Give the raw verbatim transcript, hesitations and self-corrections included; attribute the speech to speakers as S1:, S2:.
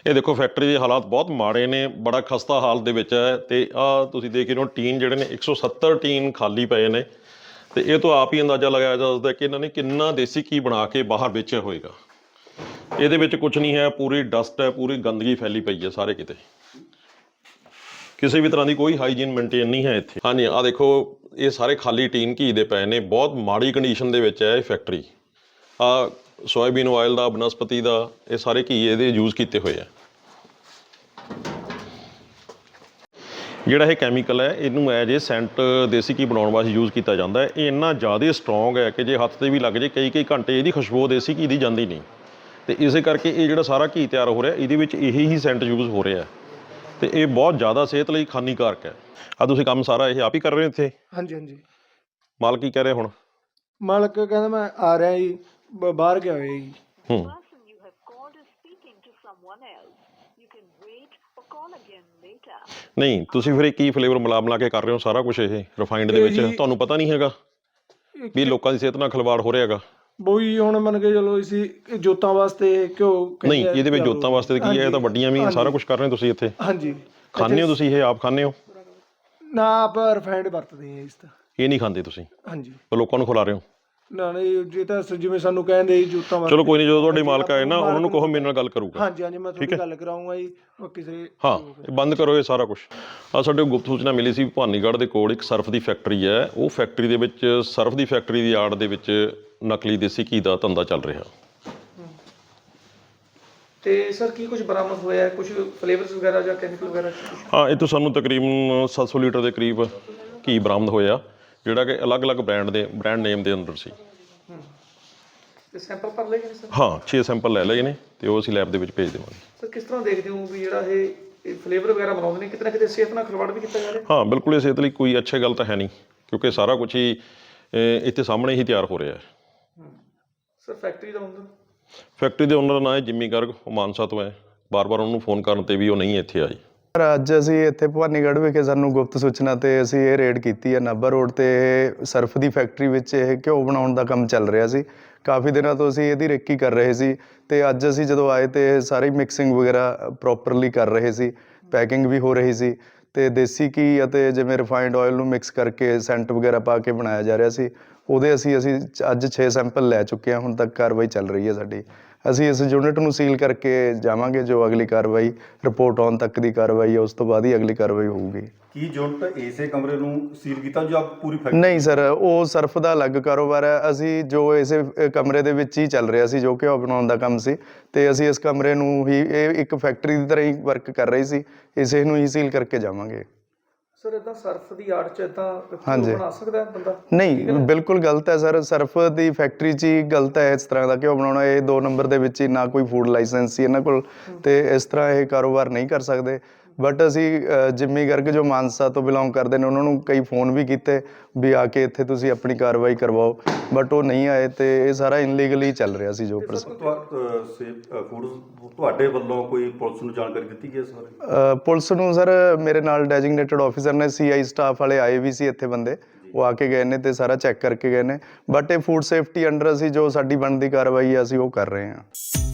S1: ਇਹ ਦੇਖੋ ਫੈਕਟਰੀ ਦੇ ਹਾਲਾਤ ਬਹੁਤ ਮਾੜੇ ਨੇ, ਬੜਾ ਖਸਤਾ ਹਾਲ ਦੇ ਵਿੱਚ ਹੈ। ਤੇ ਆਹ ਤੁਸੀਂ ਦੇਖ ਰਹੇ ਹੋ ਟੀਨ ਜਿਹੜੇ ਨੇ ਇੱਕ ਸੌ ਸੱਤਰ ਟੀਨ ਖਾਲੀ ਪਏ ਨੇ। ਤੇ ਇਹ ਤੋਂ ਆਪ ਹੀ ਅੰਦਾਜ਼ਾ ਲਗਾਇਆ ਜਾ ਸਕਦਾ ਕਿ ਇਹਨਾਂ ਨੇ ਕਿੰਨਾ ਦੇਸੀ ਘੀ ਬਣਾ ਕੇ ਬਾਹਰ ਵੇਚਿਆ ਹੋਏਗਾ। ਇਹਦੇ ਵਿੱਚ ਕੁਛ ਨਹੀਂ ਹੈ, ਪੂਰੀ ਡਸਟ ਹੈ, ਪੂਰੀ ਗੰਦਗੀ ਫੈਲੀ ਪਈ ਹੈ ਸਾਰੇ ਕਿਤੇ। ਕਿਸੇ ਵੀ ਤਰ੍ਹਾਂ ਦੀ ਕੋਈ ਹਾਈਜੀਨ ਮੇਨਟੇਨ ਨਹੀਂ ਹੈ ਇੱਥੇ। ਹਾਂਜੀ ਆਹ ਦੇਖੋ ਇਹ ਸਾਰੇ ਖਾਲੀ ਟੀਨ ਘੀ ਦੇ ਪਏ ਨੇ, ਬਹੁਤ ਮਾੜੀ ਕੰਡੀਸ਼ਨ ਦੇ ਵਿੱਚ ਹੈ ਇਹ ਫੈਕਟਰੀ। ਆਹ ਸੋਇਆਬੀਨ ਆਇਲ ਦਾ, ਬਨਸਪਤੀ ਦਾ, ਇਹ ਸਾਰੇ ਘੀ ਇਹਦੇ ਯੂਜ਼ ਕੀਤੇ ਹੋਏ ਆ। ਜਿਹੜਾ ਇਹ ਕੈਮੀਕਲ ਹੈ ਇਹਨੂੰ ਐਜ ਇਹ ਸੈਂਟ ਦੇਸੀ ਘੀ ਬਣਾਉਣ ਵਾਸਤੇ ਯੂਜ਼ ਕੀਤਾ ਜਾਂਦਾ ਹੈ। ਇਹ ਇੰਨਾ ਜ਼ਿਆਦਾ ਸਟਰੋਂਗ ਹੈ ਕਿ ਜੇ ਹੱਥ 'ਤੇ ਵੀ ਲੱਗ ਜੇ ਕਈ ਕਈ ਘੰਟੇ ਇਹਦੀ ਖੁਸ਼ਬੂ ਦੇਸੀ ਘੀ ਦੀ ਜਾਂਦੀ ਨਹੀਂ। ਅਤੇ ਇਸੇ ਕਰਕੇ ਇਹ ਜਿਹੜਾ ਸਾਰਾ ਘੀ ਤਿਆਰ ਹੋ ਰਿਹਾ ਇਹਦੇ ਵਿੱਚ ਇਹੀ ਹੀ ਸੈਂਟ ਯੂਜ਼ ਹੋ ਰਿਹਾ। ਅਤੇ ਇਹ ਬਹੁਤ ਜ਼ਿਆਦਾ ਸਿਹਤ ਲਈ ਹਾਨੀਕਾਰਕ ਹੈ। ਆਹ ਤੁਸੀਂ ਕੰਮ ਸਾਰਾ ਇਹ ਆਪ ਹੀ ਕਰ ਰਹੇ ਹੋ ਇੱਥੇ?
S2: ਹਾਂਜੀ ਹਾਂਜੀ।
S1: ਮਾਲਕ ਕੀ ਕਹਿ ਰਿਹਾ ਹੁਣ?
S2: ਮਾਲਕ ਕਹਿੰਦਾ ਮੈਂ ਆ ਰਿਹਾ ਜੀ, ਬਾਹਰ ਗਿਆ ਹੋਇਆ ਜੀ।
S1: ਹੂੰ ਨਹੀਂ ਤੁਸੀਂ ਫਿਰ ਕੀ ਫਲੇਵਰ ਮਿਲਾ ਮਿਲਾ ਕੇ ਕਰ ਰਹੇ ਹੋ ਸਾਰਾ ਕੁਛ ਇਹ ਰਿਫਾਈਨਡ ਦੇ ਵਿੱਚ? ਤੁਹਾਨੂੰ ਪਤਾ ਨਹੀਂ ਹੈਗਾ ਵੀ ਲੋਕਾਂ ਦੀ ਸਿਹਤ ਨਾਲ ਖਿਲਵਾੜ ਹੋ ਰਿਹਾ ਹੈਗਾ?
S2: ਬੋਈ ਹੁਣ ਮੰਨ ਕੇ ਚਲੋ ਅਸੀਂ ਜੋਤਾਂ ਵਾਸਤੇ ਘਿਓ।
S1: ਨਹੀਂ ਇਹਦੇ ਵਿੱਚ ਜੋਤਾਂ ਵਾਸਤੇ ਕੀ ਹੈ? ਇਹ ਤਾਂ ਵੱਡੀਆਂ ਵੀ ਸਾਰਾ ਕੁਛ ਕਰ ਰਹੇ ਹੋ ਤੁਸੀਂ ਇੱਥੇ।
S2: ਹਾਂਜੀ
S1: ਖਾਂਦੇ ਹੋ ਤੁਸੀਂ ਇਹ? ਆਪ ਖਾਂਦੇ ਹੋ?
S2: ਨਾ ਆਪ ਰਿਫਾਈਨਡ ਵਰਤਦੇ ਆ ਇਸ ਤਾਂ।
S1: ਇਹ ਨਹੀਂ ਖਾਂਦੇ ਤੁਸੀਂ?
S2: ਹਾਂਜੀ।
S1: ਲੋਕਾਂ ਨੂੰ ਖਿਲਾ ਰਹੇ ਹੋ? ਨਾ
S2: ਨਹੀਂ ਜੇ ਤਾਂ ਜਿਵੇਂ ਸਾਨੂੰ ਕਹਿੰਦੇ ਜੀ ਜੋਤਾਂ ਵਾਸਤੇ।
S1: ਚਲੋ ਕੋਈ ਨਹੀਂ, ਜਦੋਂ ਤੁਹਾਡੇ ਮਾਲਕ ਆਏ ਨਾ ਉਹਨਾਂ ਨੂੰ ਕਹੋ ਮੇਰੇ ਨਾਲ ਗੱਲ ਕਰੂਗਾ।
S2: ਹਾਂਜੀ ਹਾਂਜੀ ਮੈਂ ਤੁਹਾਡੀ ਗੱਲ ਕਰਾਊਂਗਾ ਜੀ। ਕਿਸੇ
S1: ਹਾਂ ਇਹ ਬੰਦ ਕਰੋ ਇਹ ਸਾਰਾ ਕੁਛ। ਆਹ ਸਾਡੇ ਗੁਪਤ ਸੂਚਨਾ ਮਿਲੀ ਸੀ ਭਵਾਨੀਗੜ੍ਹ ਦੇ ਕੋਲ ਇੱਕ ਸਰਫ ਦੀ ਫੈਕਟਰੀ ਹੈ। ਉਹ ਫੈਕਟਰੀ ਦੇ ਵਿੱਚ ਸਰਫ ਦੀ ਫੈਕਟਰੀ ਦੀ ਆੜ ਦੇ ਵਿੱਚ ਨਕਲੀ ਦੇਸੀ ਘੀ ਦਾ ਧੰਦਾ ਚੱਲ ਰਿਹਾ।
S2: ਤੇ ਸਰ ਕੀ ਕੁਝ ਬਰਾਮਦ ਹੋਇਆ? ਕੁਝ ਫਲੇਵਰਸ ਵਗੈਰਾ ਜਾਂ ਕੈਮੀਕਲ ਵਗੈਰਾ?
S1: ਹਾਂ ਇਹ ਤੋਂ ਸਾਨੂੰ ਤਕਰੀਬਨ ਸੱਤ ਸੌ ਲੀਟਰ ਦੇ ਕਰੀਬ ਘੀ ਬਰਾਮਦ ਹੋਇਆ, ਜਿਹੜਾ ਕਿ ਅਲੱਗ-ਅਲੱਗ ਬ੍ਰਾਂਡ ਦੇ ਬ੍ਰਾਂਡ ਨੇਮ ਦੇ ਅੰਦਰ ਸੀ।
S2: ਤੇ ਸੈਂਪਲ ਭਰ ਲਏ ਗਏ ਸਰ?
S1: ਹਾਂ ਛੇ ਸੈਂਪਲ ਲੈ ਲਏ ਨੇ ਤੇ ਉਹ ਅਸੀਂ ਲੈਬ ਦੇ ਵਿੱਚ ਭੇਜ ਦੇਵਾਂਗੇ।
S2: ਸਰ ਕਿਸ ਤਰ੍ਹਾਂ ਦੇਖਦੇ ਹੋ ਵੀ ਜਿਹੜਾ ਇਹ ਫਲੇਵਰ ਵਗੈਰਾ ਬਣਾਉਂਦੇ ਨੇ ਕਿਤੇ ਨਾ ਕਿਤੇ ਸਿਹਤ ਨਾਲ ਖਿਲਵਾੜ ਵੀ ਕੀਤਾ ਜਾ ਰਿਹਾ?
S1: ਹਾਂ ਬਿਲਕੁਲ, ਇਹ ਸਿਹਤ ਲਈ ਕੋਈ ਅੱਛੀ ਗੱਲ ਤਾਂ ਹੈ ਨਹੀਂ ਕਿਉਂਕਿ ਸਾਰਾ ਕੁਛ ਹੀ ਇੱਥੇ ਸਾਹਮਣੇ ਹੀ ਤਿਆਰ ਹੋ ਰਿਹਾ ਹੈ।
S2: ਸਰ ਫੈਕਟਰੀ ਦਾ ਓਨਰ?
S1: ਫੈਕਟਰੀ ਦੇ ਓਨਰ ਦਾ ਨਾਂ ਹੈ ਜਿੰਮੀ ਗਰਗ, ਉਹ ਮਾਨਸਾ ਤੋਂ ਹੈ। ਬਾਰ-ਬਾਰ ਉਹਨੂੰ ਫੋਨ ਕਰਨ 'ਤੇ ਵੀ ਉਹ ਨਹੀਂ ਇੱਥੇ ਆਈ।
S3: ਅੱਜ ਅਸੀਂ ਇੱਥੇ ਭਵਾਨੀਗੜ੍ਹ ਵਿਖੇ ਸਾਨੂੰ ਗੁਪਤ ਸੂਚਨਾ 'ਤੇ ਅਸੀਂ ਇਹ ਰੇਡ ਕੀਤੀ ਹੈ। ਨਾਭਾ ਰੋਡ 'ਤੇ ਸਰਫ ਦੀ ਫੈਕਟਰੀ ਵਿੱਚ ਇਹ ਘਿਓ ਬਣਾਉਣ ਦਾ ਕੰਮ ਚੱਲ ਰਿਹਾ ਸੀ। ਕਾਫੀ ਦਿਨਾਂ ਤੋਂ ਅਸੀਂ ਇਹਦੀ ਰੇਕੀ ਕਰ ਰਹੇ ਸੀ ਅਤੇ ਅੱਜ ਅਸੀਂ ਜਦੋਂ ਆਏ ਤਾਂ ਸਾਰੀ ਮਿਕਸਿੰਗ ਵਗੈਰਾ ਪ੍ਰੋਪਰਲੀ ਕਰ ਰਹੇ ਸੀ, ਪੈਕਿੰਗ ਵੀ ਹੋ ਰਹੀ ਸੀ ਅਤੇ ਦੇਸੀ ਘੀ ਅਤੇ ਜਿਵੇਂ ਰਿਫਾਇੰਡ ਆਇਲ ਨੂੰ ਮਿਕਸ ਕਰਕੇ ਸੈਂਟ ਵਗੈਰਾ ਪਾ ਕੇ ਬਣਾਇਆ ਜਾ ਰਿਹਾ ਸੀ। ਉਹਦੇ ਅਸੀਂ ਅਸੀਂ ਅੱਜ ਛੇ ਸੈਂਪਲ ਲੈ ਚੁੱਕੇ ਹਾਂ। ਹੁਣ ਤੱਕ ਕਾਰਵਾਈ ਚੱਲ ਰਹੀ ਹੈ ਸਾਡੀ। ਅਸੀਂ ਇਸ ਯੂਨਿਟ ਨੂੰ ਸੀਲ ਕਰਕੇ ਜਾਵਾਂਗੇ। ਜੋ ਅਗਲੀ ਕਾਰਵਾਈ ਰਿਪੋਰਟ ਆਉਣ ਤੱਕ ਦੀ ਕਾਰਵਾਈ ਹੈ, ਉਸ ਤੋਂ ਬਾਅਦ ਹੀ ਅਗਲੀ ਕਾਰਵਾਈ ਹੋਊਗੀ।
S4: ਕੀ ਯੂਨਿਟ ਇਸੇ ਕਮਰੇ ਨੂੰ ਸੀਲ ਕੀਤਾ ਜੋ ਆਪ ਪੂਰੀ ਫੈਕਟਰੀ?
S3: ਨਹੀਂ ਸਰ, ਉਹ ਸਰਫ ਦਾ ਅਲੱਗ ਕਾਰੋਬਾਰ ਹੈ। ਅਸੀਂ ਜੋ ਇਸੇ ਕਮਰੇ ਦੇ ਵਿੱਚ ਹੀ ਚੱਲ ਰਿਹਾ ਸੀ, ਜੋ ਘਿਓ ਬਣਾਉਣ ਦਾ ਕੰਮ ਸੀ, ਅਤੇ ਅਸੀਂ ਇਸ ਕਮਰੇ ਨੂੰ ਹੀ ਇਹ ਇੱਕ ਫੈਕਟਰੀ ਦੀ ਤਰ੍ਹਾਂ ਹੀ ਵਰਕ ਕਰ ਰਹੀ ਸੀ, ਇਸੇ ਨੂੰ ਹੀ ਸੀਲ ਕਰਕੇ ਜਾਵਾਂਗੇ।
S2: ਸਰ ਇੱਦਾਂ ਸਰਫ ਦੀ ਆੜ 'ਚ ਇੱਦਾਂ
S3: ਹਾਂਜੀ
S2: ਬਣਾ ਸਕਦਾ ਬੰਦਾ?
S3: ਨਹੀਂ ਬਿਲਕੁਲ ਗਲਤ ਹੈ ਸਰ। ਸਰਫ ਦੀ ਫੈਕਟਰੀ 'ਚ ਹੀ ਗਲਤ ਹੈ ਇਸ ਤਰ੍ਹਾਂ ਦਾ ਘਿਓ ਬਣਾਉਣਾ। ਇਹ ਦੋ ਨੰਬਰ ਦੇ ਵਿੱਚ ਹੀ ਨਾ ਕੋਈ ਫੂਡ ਲਾਇਸੈਂਸ ਸੀ ਇਹਨਾਂ ਕੋਲ, ਅਤੇ ਇਸ ਤਰ੍ਹਾਂ ਇਹ ਕਾਰੋਬਾਰ ਨਹੀਂ ਕਰ ਸਕਦੇ। ਬਟ ਅਸੀਂ ਜਿੰਮੀ ਗਰਗ ਜੋ ਮਾਨਸਾ ਤੋਂ ਬਿਲੋਂਗ ਕਰਦੇ ਨੇ ਉਹਨਾਂ ਨੂੰ ਕਈ ਫੋਨ ਵੀ ਕੀਤੇ ਵੀ ਆ ਕੇ ਇੱਥੇ ਤੁਸੀਂ ਆਪਣੀ ਕਾਰਵਾਈ ਕਰਵਾਓ, ਬਟ ਉਹ ਨਹੀਂ ਆਏ ਅਤੇ ਇਹ ਸਾਰਾ ਇਨਲੀਗਲੀ ਚੱਲ ਰਿਹਾ ਸੀ। ਜੋ
S4: ਫੂਡ ਤੁਹਾਡੇ ਵੱਲੋਂ ਕੋਈ ਪੁਲਿਸ ਨੂੰ ਜਾਣਕਾਰੀ ਦਿੱਤੀ ਗਈ ਇਸ ਬਾਰੇ?
S3: ਪੁਲਿਸ ਨੂੰ ਸਰ ਮੇਰੇ ਨਾਲ ਡੈਜਿਗਨੇਟਡ ਆਫਿਸਰ ਨੇ, ਸੀ ਆਈ ਸਟਾਫ ਵਾਲੇ ਆਏ ਵੀ ਸੀ ਇੱਥੇ ਬੰਦੇ, ਉਹ ਆ ਕੇ ਗਏ ਨੇ ਅਤੇ ਸਾਰਾ ਚੈੱਕ ਕਰਕੇ ਗਏ ਨੇ। ਬਟ ਇਹ ਫੂਡ ਸੇਫਟੀ ਅੰਡਰ ਅਸੀਂ ਜੋ ਸਾਡੀ ਬਣਦੀ ਕਾਰਵਾਈ ਹੈ ਅਸੀਂ ਉਹ ਕਰ ਰਹੇ ਹਾਂ।